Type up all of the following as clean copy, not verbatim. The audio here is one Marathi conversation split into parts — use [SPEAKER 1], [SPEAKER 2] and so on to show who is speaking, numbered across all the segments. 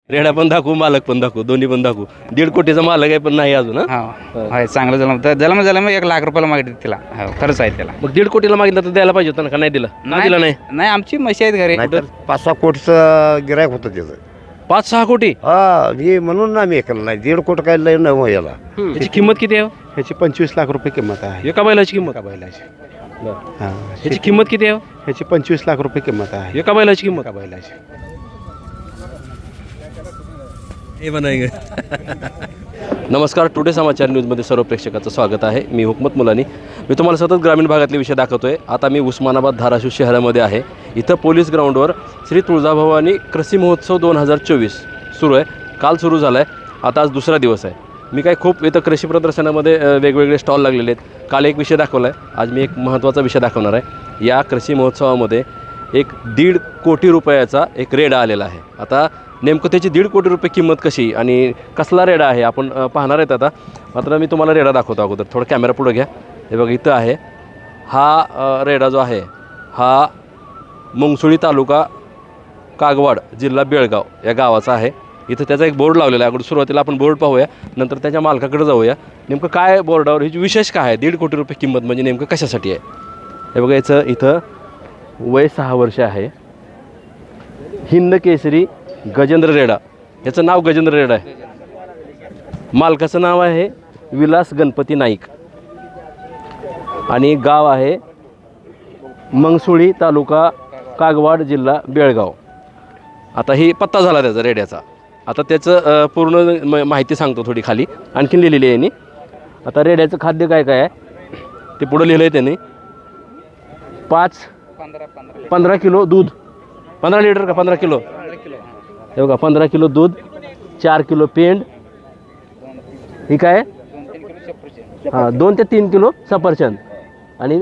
[SPEAKER 1] रेडा पण दाखवू, मालक पण दाखवू, दोन्ही पण दाखवू. 1.5 कोटीचा मालक आहे पण नाही अजून.
[SPEAKER 2] होय चांगलं झालं तर झालं मग 1 लाख रुपयाला मागितलं तिला. हो खरंच आहे त्याला.
[SPEAKER 1] मग 1.5 कोटीला मागितलं तर द्यायला पाहिजे होतं ना, का नाही दिलं? नाही दिलं.
[SPEAKER 2] नाही आमची म्हशी आहेत घरी.
[SPEAKER 3] नाहीतर 5-6 कोटीचं गिरायक होतं त्याचं.
[SPEAKER 1] 5-6 कोटी
[SPEAKER 3] हा हे म्हणून ना मी ऐकलं नाही. 1.5 कोटी काय लय नाही याला.
[SPEAKER 1] याची किंमत किती आहे?
[SPEAKER 4] ह्याची 25 लाख रुपये किंमत आहे.
[SPEAKER 1] एका बैलाची किंमत.
[SPEAKER 4] एका बैलाची.
[SPEAKER 1] बरं.
[SPEAKER 4] हां
[SPEAKER 1] याची किंमत किती आहे?
[SPEAKER 4] ह्याची 25 लाख रुपये किंमत आहे.
[SPEAKER 1] एका बैलाची किंमत.
[SPEAKER 4] एका बैलाची.
[SPEAKER 1] हे बनाएंगे. नमस्कार, टुडे समाचार न्यूजमध्ये सर्व प्रेक्षकाचं स्वागत आहे. मी हुकमत मुलानी. मी तुम्हाला सतत ग्रामीण भागातले विषय दाखवतोय. आता मी उस्मानाबाद धाराशिव शहरामध्ये आहे. इथं पोलीस ग्राउंडवर श्री तुळजाभवानी कृषी महोत्सव 2024 सुरू आहे. काल सुरू झाला आहे, आता आज दुसरा दिवस आहे. मी काय खूप इथं कृषी प्रदर्शनामध्ये वेगवेगळे स्टॉल लागलेले आहेत. काल एक विषय दाखवला आहे, आज मी एक महत्त्वाचा विषय दाखवणार आहे. या कृषी महोत्सवामध्ये 1.5 कोटी रुपयाचा एक रेडा आलेला आहे. आता नेमकं त्याची 1.5 कोटी रुपये किंमत कशी आणि कसला रेडा आहे आपण पाहणार आहेत. आता मात्र मी तुम्हाला रेडा दाखवतो. अगोदर थोडं कॅमेरा पुढं घ्या. हे बघा इथं आहे हा रेडा जो आहे हा मुंगसुळी तालुका कागवाड जिल्हा बेळगाव या गावाचा आहे. इथं त्याचा एक बोर्ड लावलेला आहे. अगोदर सुरुवातीला आपण बोर्ड पाहूया, नंतर त्याच्या मालकाकडे जाऊया. नेमकं काय बोर्डावर ह्याची विशेष काय आहे? 1.5 कोटी रुपये किंमत म्हणजे नेमकं कशासाठी आहे? हे बघा याचं इथं वय 6 वर्ष आहे. हिंद केसरी गजेंद्र रेडा, याचं नाव गजेंद्र रेडा आहे. मालकाचं नाव आहे विलास गणपती नाईक आणि गाव आहे मंगसुळी तालुका कागवाड जिल्हा बेळगाव. आता ही पत्ता झाला त्याचा रेड्याचा. आता त्याचं पूर्ण माहिती सांगतो थोडी खाली आणखीन लिहिलेली आहे यांनी. आता रेड्याचं खाद्य काय काय आहे ते पुढं लिहिलं आहे त्यांनी. 15 किलो दूध, 15 लिटर का 15 किलो? हे बघा 15 किलो दूध, 4 किलो पेंड, ही काय 2 ते 3 किलो सफरचंद आणि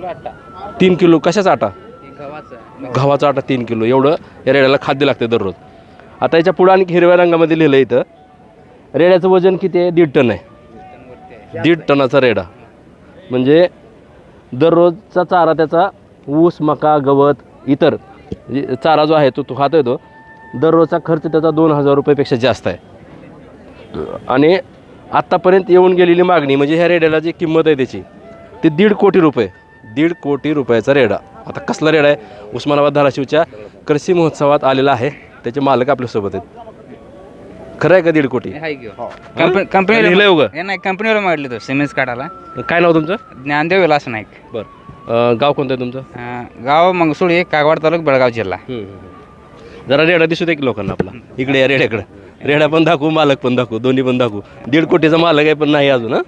[SPEAKER 1] 3 किलो कशाचा आटा? गव्हाचा आटा 3 किलो. एवढं या रेड्याला खाद्य लागते दररोज. आता याच्या पुढं आणखी हिरव्या रंगामध्ये लिहिलं इथं रेड्याचं वजन किती आहे? 1.5 टन आहे. 1.5 टनाचा रेडा म्हणजे दररोजचा चारा त्याचा ऊस, मका, गवत, इतर चारा जो आहे तो खातो येतो. दररोजचा खर्च त्याचा 2,000 रुपयेपेक्षा जास्त आहे. आणि आत्तापर्यंत येऊन गेलेली मागणी म्हणजे ह्या रेड्याला जी किंमत आहे त्याची ती 1.5 कोटी रुपये. 1.5 कोटी रुपयाचा रेडा. आता कसला रेडा आहे? उस्मानाबाद धाराशिवच्या कृषी महोत्सवात आलेला आहे. त्याचे मालक आपल्यासोबत आहेत. खरं आहे का 1.5 कोटी?
[SPEAKER 2] कंपनीला नाही, कंपनीवर मागितले तो सिमेंट काढायला.
[SPEAKER 1] काय नाव तुमचं?
[SPEAKER 2] ज्ञानदेव विलास नाईक.
[SPEAKER 1] बरं, गाव कोणतं आहे तुमचं?
[SPEAKER 2] गाव मंगसुळी कागवाड तालुका बेळगाव जिल्हा.
[SPEAKER 1] जरा रेडा दिसू दे की लोकांना आपला. इकडे या रेड्याकडे. रेडा पण दाखवू, मालक पण दाखवू, दोन्ही पण दाखवू. 1.5 कोटीचा मालक आहे पण नाही अजून.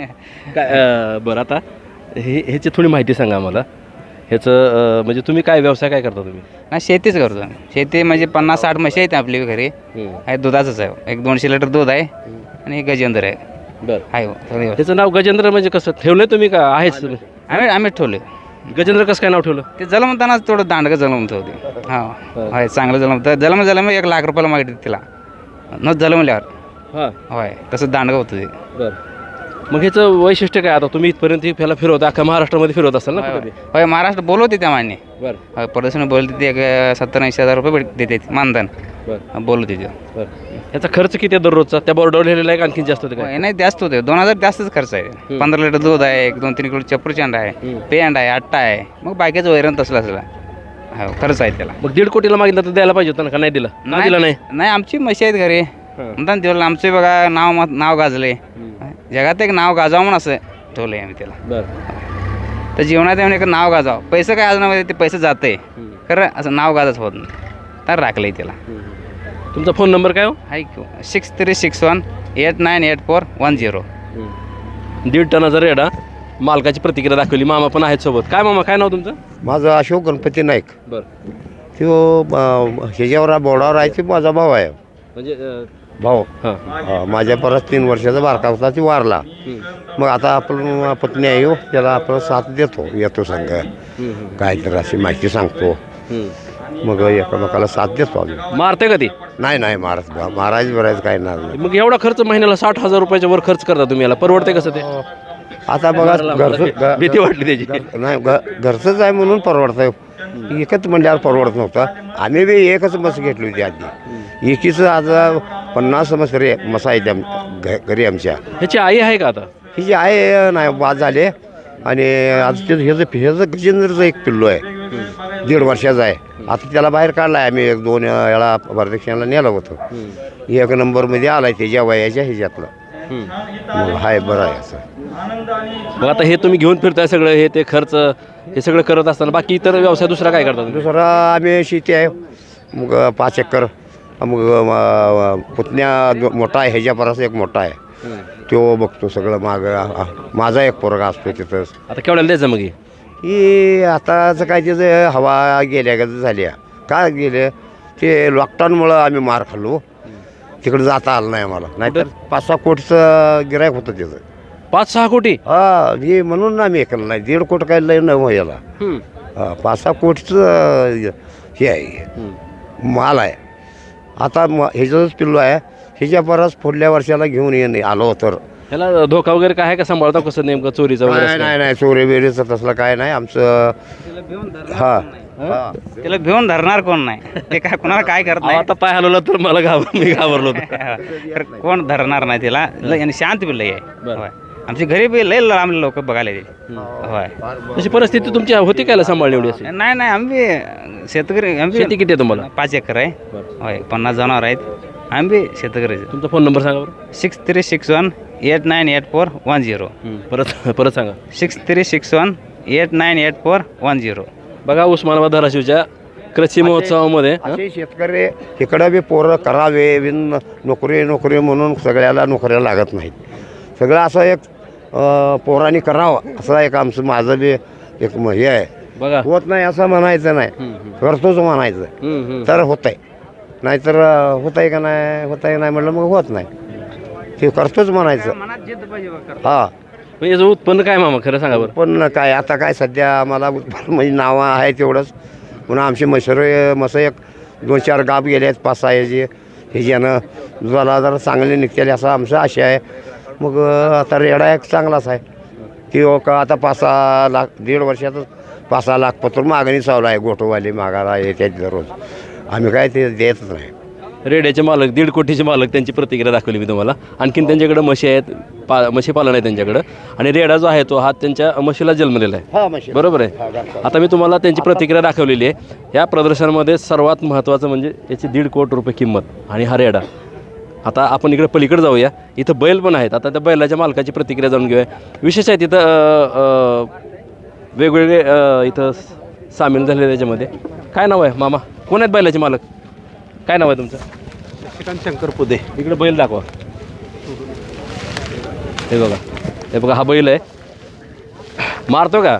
[SPEAKER 1] काय बरं, आता ह्याची थोडी माहिती सांगा आम्हाला. ह्याचं म्हणजे तुम्ही काय व्यवसाय काय करता तुम्ही?
[SPEAKER 2] नाही शेतीच करतो. शेती म्हणजे 50-60 म्हशी आहेत आपली घरी. आहे दुधाचंच आहे. 1-200 लिटर दूध आहे आणि गजेंद्र आहे.
[SPEAKER 1] बरं
[SPEAKER 2] आहे
[SPEAKER 1] त्याचं नाव गजेंद्र म्हणजे कसं ठेवलंय तुम्ही का आहेच?
[SPEAKER 2] आम्ही ठेवले.
[SPEAKER 1] गजेंद्र कसं काय नाव ठेवलं?
[SPEAKER 2] ते जलमताना थोडं दांडगं जलमत होते. होय चांगलं जलम 1 लाख रुपयाला मागितलं तिला न जलमल्यावर.
[SPEAKER 1] हां
[SPEAKER 2] होय तसं दांडगं होतं ते.
[SPEAKER 1] बरं, मग ह्याचं वैशिष्ट्य काय? आता तुम्ही इथपर्यंत ह्याला फिरवता, अख्खा महाराष्ट्रामध्ये फिरवत असाल ना कुठे?
[SPEAKER 2] होय महाराष्ट्र बोलवते त्या मान्य.
[SPEAKER 1] बरं
[SPEAKER 2] होय प्रदर्शन बोलते ते 70-80 हजार रुपये देते मानधन.
[SPEAKER 1] बरं
[SPEAKER 2] बोलवते ते.
[SPEAKER 1] बरं, ह्याचा खर्च किती आहे दररोजचा? त्या बोर्डावर लिहिलेला आहे का आणखी जास्त होतं काय?
[SPEAKER 2] नाही जास्त होते. 2,000 जास्तच खर्च आहे. 15 लिटर दूध आहे, 2-3 किलो चप्रचंड आहे, पेंड आहे, आट्टा आहे, मग बाकीचं वैरण तसलं असलं. हो खर्च आहे त्याला.
[SPEAKER 1] मग 1.5 कोटीला मागितलं तर द्यायला पाहिजे होतं ना, का नाही दिलं? नाही दिला.
[SPEAKER 2] नाही आमची म्हशी आहेत घरी म्हणतात दिलं. आमचे बघा नाव गाजले जगात. एक नाव गाजावं म्हणून असं ठेवलं आहे आम्ही त्याला.
[SPEAKER 1] बरं,
[SPEAKER 2] तर जीवनात येऊन एक नाव गाजावं. पैसे काय आज ते पैसे जाते खरं, असं नाव गाजत होत नाही तर राखलं त्याला.
[SPEAKER 1] तुमचा फोन नंबर काय हो?
[SPEAKER 2] आहे 6361898410.
[SPEAKER 1] 1.5 टनाचा रेडा. मालकाची प्रतिक्रिया दाखवली. मामा पण आहेत सोबत. काय मामा, काय नाव तुमचं?
[SPEAKER 3] माझं अशोक गणपती नाईक.
[SPEAKER 1] बरं,
[SPEAKER 3] तो ह्याच्यावर बोर्डावर आहे. ते माझा भाऊ आहे.
[SPEAKER 1] म्हणजे
[SPEAKER 3] भाऊ
[SPEAKER 1] हां
[SPEAKER 3] माझ्या परत 3 वर्षाचा बारका होता. ती वारला. मग आता आपण पत्नी आहे त्याला आपण साथ देतो. येतो संघ काहीतरी अशी माहिती सांगतो. मग एकमेकाला साथ देतो आम्ही.
[SPEAKER 1] मारते का ती?
[SPEAKER 3] नाही महाराज बरायचं काय नाही.
[SPEAKER 1] मग एवढा खर्च महिन्याला 60,000 रुपयाच्या वर खर्च करता तुम्ही, याला परवडते कसं ते?
[SPEAKER 3] आता बघा घरचं
[SPEAKER 1] भीती वाटली त्याची.
[SPEAKER 3] नाही घरचंच आहे म्हणून परवडतंय. एकच मंडळावर परवडत नव्हतं. आम्ही बी एकच मस घेतली होती आधी. एकीचं आज 50 मसा आहे घरी आमच्या.
[SPEAKER 1] ह्याची आई आहे का आता?
[SPEAKER 3] ही जी आहे नाही बाद झाले आणि आज ते ह्याचं गजेंद्रचं एक पिल्लू आहे 1.5 वर्षाचा आहे. आता त्याला बाहेर काढला आहे आम्ही 1-2 वेळा प्रदक्षिणाला नेलं होतं. 1 नंबरमध्ये आला आहे त्याच्या वयाच्या ह्याच्यातलं. मग हाय बरं आहे असं.
[SPEAKER 1] मग आता हे तुम्ही घेऊन फिरताय सगळं, हे ते खर्च हे सगळं करत असताना बाकी इतर व्यवसाय दुसरा काय करता तुम्ही?
[SPEAKER 3] दुसरा आम्ही शेती आहे मग 5 एकर. मग पुतण्या मोठा आहे ह्याच्यापर्यंत एक मोठा आहे तो बघतो सगळं. माझा एक पोरगा असतो तिथंच.
[SPEAKER 1] आता केवढ्याला द्यायचं मग हे?
[SPEAKER 3] ही आताचं काय त्याचं हवा गेल्या का झाल्या काय गेले ते लॉकडाऊनमुळं आम्ही मार खाल्लो. तिकडे जाता आलं नाही आम्हाला. नाहीतर 5-6 कोटीचं गिरायक होतं त्याचं.
[SPEAKER 1] 5-6 कोटी?
[SPEAKER 3] हा हे म्हणून आम्ही हे केलं नाही. 1.5 कोटी काय लय नाही याला. 5-6 कोटीचं हे आहे माल आहे. आता ह्याचंच पिल्लू आहे. ह्याच्या बराच पुढल्या वर्षाला घेऊन येणे आलो तर.
[SPEAKER 1] ह्याला धोका वगैरे काय आहे का? सांभाळता कसं नेमकं चोरीचा वगैरे?
[SPEAKER 3] नाही चोरी बिरीचं तसलं काय नाही आमचं. हा
[SPEAKER 2] त्याला भिवून धरणार कोण नाही. ते काय कोणाला काय करत नाही.
[SPEAKER 1] आता पाय हलवला तर मला मी घाबरलो होतो.
[SPEAKER 2] तर कोण धरणार नाही त्याला. आणि शांत बिल आहे. होय. आमच्या घरी बी लय लांब लोक बघायला येते. होय.
[SPEAKER 1] तशी परिस्थिती तुमची होती काय सांभाळली एवढी अशी?
[SPEAKER 2] नाही आम्ही शेतकरी. आम्ही
[SPEAKER 1] शेती किती आहे तुम्हाला?
[SPEAKER 2] 5 एकर आहे. होय. 50 जनावर आहेत. आम्ही शेतकरी.
[SPEAKER 1] तुमचा फोन नंबर सांगा बरं.
[SPEAKER 2] 6361898410.
[SPEAKER 1] परत सांगा.
[SPEAKER 2] 6361898410.
[SPEAKER 1] बघा उस्मानाबाद धाराशिवच्या कृषी महोत्सवामध्ये
[SPEAKER 3] असे शेतकरी इकडं बी पोरं करावे बिन नोकरी म्हणून सगळ्याला नोकऱ्या लागत नाहीत. सगळं असं एक पोरांनी करावं असं एक आमचं माझं बी एक हे आहे.
[SPEAKER 1] बघा
[SPEAKER 3] होत नाही असं म्हणायचं नाही. करतोच म्हणायचं तर होत आहे. नाहीतर होत आहे का नाही म्हटलं मग होत नाही. ते करतोच म्हणायचं. हा
[SPEAKER 1] म्हणजे याचं उत्पन्न काय मामा खरं सांगा बरं?
[SPEAKER 3] पण काय आता काय सध्या आम्हाला उत्पन्न म्हणजे नावं आहे तेवढंच. पुन्हा आमचे मसं एक 2-4 गाप गेले आहेत 5-6 ह्याच्यानं जरा चांगले निघतेले असं आमचं आशा आहे. मग आता रेडा एक चांगलाच आहे की का आता 5-6 लाख 1.5 वर्षातच 5-6 लाख पत्र मागणी चालू आहे. गोठोवाले मागायला येतात दररोज. आम्ही काय ते देतच नाही.
[SPEAKER 1] रेड्याचे मालक 1.5 कोटीचे मालक त्यांची प्रतिक्रिया दाखवली मी तुम्हाला. आणखीन त्यांच्याकडे म्हशी आहेत, म्हशी पालन आहे त्यांच्याकडं. आणि रेडा जो आहे तो हा त्यांच्या म्हशीला जन्मलेला आहे. बरोबर आहे. आता मी तुम्हाला त्यांची प्रतिक्रिया दाखवलेली आहे. या प्रदर्शनामध्ये सर्वात महत्त्वाचं म्हणजे याची 1.5 कोटी रुपये किंमत आणि हा रेडा. आता आपण इकडे पलीकडे जाऊया. इथं बैल पण आहेत. आता त्या बैलाच्या मालकाची प्रतिक्रिया जाणून घेऊया. विशेष आहे तिथं वेगवेगळे इथं सामील झालेले त्याच्यामध्ये. काय नाव आहे मामा? कोण आहेत बैलाचे मालक? काय नाव आहे तुमचं?
[SPEAKER 4] शशिकांत शंकर पुदे.
[SPEAKER 1] इकडे बैल दाखवा. हे बघा हा बैल आहे. मारतो का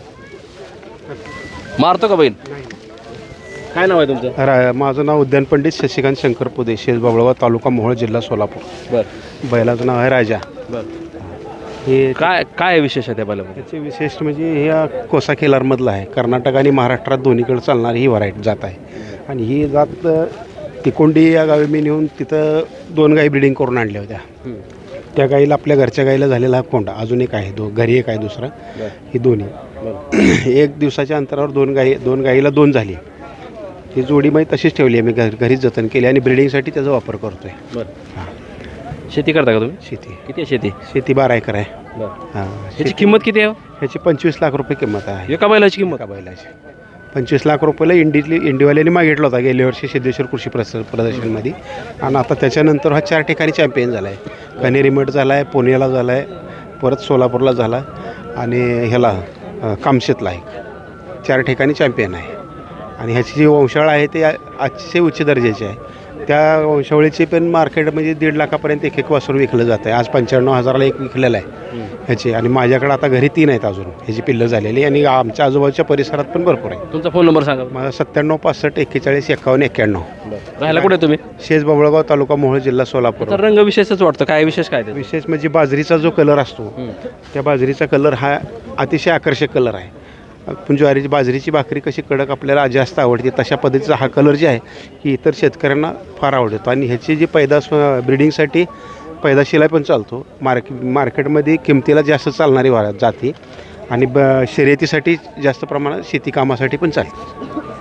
[SPEAKER 1] बैल? काय नाव आहे तुमचं?
[SPEAKER 4] माझं नाव उद्यान पंडित शशिकांत शंकर पुदे, शेजबाबळगाव, तालुका मोहोळ, जिल्हा सोलापूर.
[SPEAKER 1] बरं.
[SPEAKER 4] बैलाचं नाव आहे राजा.
[SPEAKER 1] बरं.
[SPEAKER 4] हे
[SPEAKER 1] काय विशेष आहे त्या बैलामध्ये?
[SPEAKER 4] त्याचे विशेष म्हणजे हे कोसा केलारमधलं आहे. कर्नाटक आणि महाराष्ट्रात दोन्हीकडे चालणारी ही व्हरायटी जात आहे. आणि ही जात तिकोंडी या गावी मी नेऊन तिथं 2 गाई ब्रिडिंग करून आणल्या होत्या. त्या गाईला आपल्या घरच्या गाईला झालेला हा कोंडा. अजून एक आहे घरी एक आहे दुसरा. ही दोन्ही 1 दिवसाच्या अंतरावर 2 गाईला 2 झाली. ही जोडी मी तशीच ठेवली आहे. मी घरीच जतन केली आणि ब्रिडिंगसाठी त्याचा वापर करतो आहे.
[SPEAKER 1] बरं. शेती करता का तुम्ही?
[SPEAKER 4] शेती
[SPEAKER 1] किती आहे शेती?
[SPEAKER 4] शेती 12 एकर आहे.
[SPEAKER 1] बरं.
[SPEAKER 4] हां.
[SPEAKER 1] ह्याची किंमत किती आहे?
[SPEAKER 4] ह्याची 25 लाख रुपये किंमत आहे.
[SPEAKER 1] एका बैलाची किंमत?
[SPEAKER 4] एका बैलाची 25 लाख रुपयाला इंडिवाल्याने मागितला होता गेल्या वर्षी सिद्धेश्वर कृषी प्रदर्शनमध्ये. आणि आता त्याच्यानंतर हा 4 ठिकाणी चॅम्पियन झाला आहे. कनेरी मठ झाला आहे, पुण्याला झाला आहे, परत सोलापूरला झाला आणि ह्याला कामशेतला आहे. 4 ठिकाणी चॅम्पियन आहे. आणि ह्याची जी वंशावळ आहे ते अतिशय उच्च दर्जाची आहे. त्या वंशावळीची पण मार्केट म्हणजे 1.5 लाखापर्यंत एक वासरू विकलं जातं आहे. आज 95,000ला एक विकलेलं आहे ह्याची. आणि माझ्याकडे आता घरी 3 आहेत अजून ह्याची पिल्लं झालेली. आणि आमच्या आजूबाजूच्या परिसरात पण भरपूर आहे.
[SPEAKER 1] तुमचा फोन नंबर सांगा.
[SPEAKER 4] माझा 97 65 41 51 91.
[SPEAKER 1] राहायला कुठे तुम्ही?
[SPEAKER 4] शेजबाबळगाव, तालुका मोहोळ, जिल्हा सोलापूर.
[SPEAKER 1] तर रंग विशेषच वाटतं. काय विशेष काय?
[SPEAKER 4] विशेष म्हणजे बाजरीचा जो कलर असतो त्या बाजरीचा कलर हा अतिशय आकर्षक कलर आहे. आपण ज्वारीची बाजरीची भाकरी कशी कडक आपल्याला जास्त आवडते तशा पद्धतीचा हा कलर जे आहे की इतर शेतकऱ्यांना फार आवडतो. आणि ह्याची जी पैदास ब्रिडिंगसाठी पैदाशीला पण चालतो. मार्केटमध्ये किमतीला जास्त चालणारी जाती आणि शर्यतीसाठी जास्त प्रमाणात शेती कामासाठी पण चालते.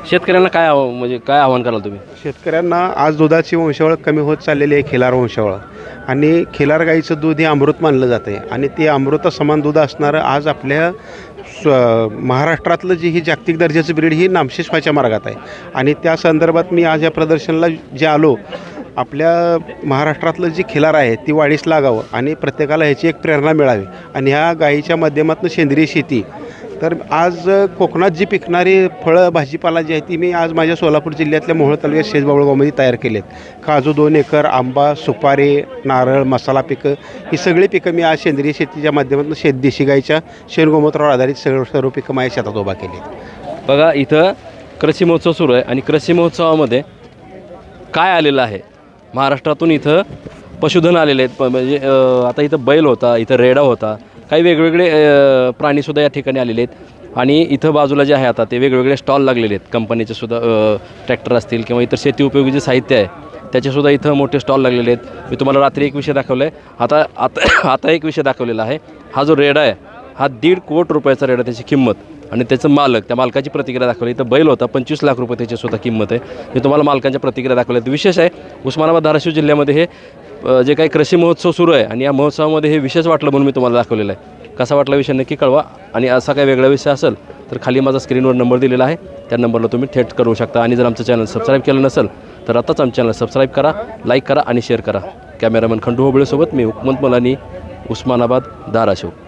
[SPEAKER 1] शेतकऱ्यांना काय म्हणजे काय आव्हान कराल तुम्ही?
[SPEAKER 4] शेतकऱ्यांना आज दुधाची वंशावळ कमी होत चाललेली आहे, खिलार वंशावळ. आणि खिलार गाईचं दूध हे अमृत मानलं जातं आहे आणि ते अमृतासमान दूध असणारं आज आपल्या महाराष्ट्रातलं जी ही जागतिक दर्जाचं ब्रीड ही नामशेष व्हायच्या मार्गात आहे. आणि त्या संदर्भात मी आज या प्रदर्शनाला जे आलो, आपल्या महाराष्ट्रातलं जी खिलार आहे ती वाढीस लागावं आणि प्रत्येकाला ह्याची एक प्रेरणा मिळावी. आणि ह्या गाईच्या माध्यमातून सेंद्रिय शेती, तर आज कोकणात जी पिकणारी फळं भाजीपाला जी आहे ती मी आज माझ्या सोलापूर जिल्ह्यातल्या मोहोळ तालुक्यात शेजबाबळगावमध्ये तयार केलेत. काजू 2 एकर, आंबा, सुपारी, नारळ, मसाला पिकं, ही सगळी पिकं मी आज सेंद्रिय शेतीच्या माध्यमातून देशी गाईच्या शेणगोमूत्रावर आधारित सर्व पिकं माझ्या शेतात उभा केली.
[SPEAKER 1] बघा इथं कृषी महोत्सव सुरू आहे आणि कृषी महोत्सवामध्ये काय आलेलं आहे, महाराष्ट्रातून इथं पशुधन आलेले आहेत. म्हणजे आता इथं बैल होता, इथं रेडा होता, काही वेगवेगळे प्राणीसुद्धा या ठिकाणी आलेले आहेत. आणि इथं बाजूला जे आहे आता ते वेगवेगळे स्टॉल लागलेले आहेत, कंपनीचे सुद्धा ट्रॅक्टर असतील किंवा इतर शेती उपयोगी जे साहित्य आहे त्याचेसुद्धा इथं मोठे स्टॉल लागलेले आहेत. मी तुम्हाला रात्री एक विषय दाखवला आहे, आता एक विषय दाखवलेला आहे. हा जो रेडा आहे हा 1.5 कोटी रुपयाचा रेडा, त्याची किंमत आणि त्याचं मालक, त्या मालकाची प्रतिक्रिया दाखवली. इथं बैल होता, 25 लाख रुपये त्याचीसुद्धा किंमत आहे. मी तुम्हाला मालकांच्या प्रतिक्रिया दाखवल्या आहेत. विशेष आहे उस्मानाबाद धाराशिव जिल्ह्यामध्ये हे जे काही कृषी महोत्सव सुरू आहे आणि या महोत्सवामध्ये हे विशेष वाटलं म्हणून मी तुम्हाला दाखवलेलं आहे. कसा वाटला विषय नक्की कळवा. आणि असा काही वेगळा विषय असेल तर खाली माझा स्क्रीनवर नंबर दिलेला आहे, त्या नंबरला तुम्ही थेट करू शकता. आणि जर आमचं चॅनल सबस्क्राईब केलं नसेल तर आताच आमचं चॅनल सबस्क्राईब करा, लाईक करा आणि शेअर करा. कॅमेरामॅन खंडू होबळेसोबत मी हुकमत मुलानी, उस्मानाबाद धाराशिव.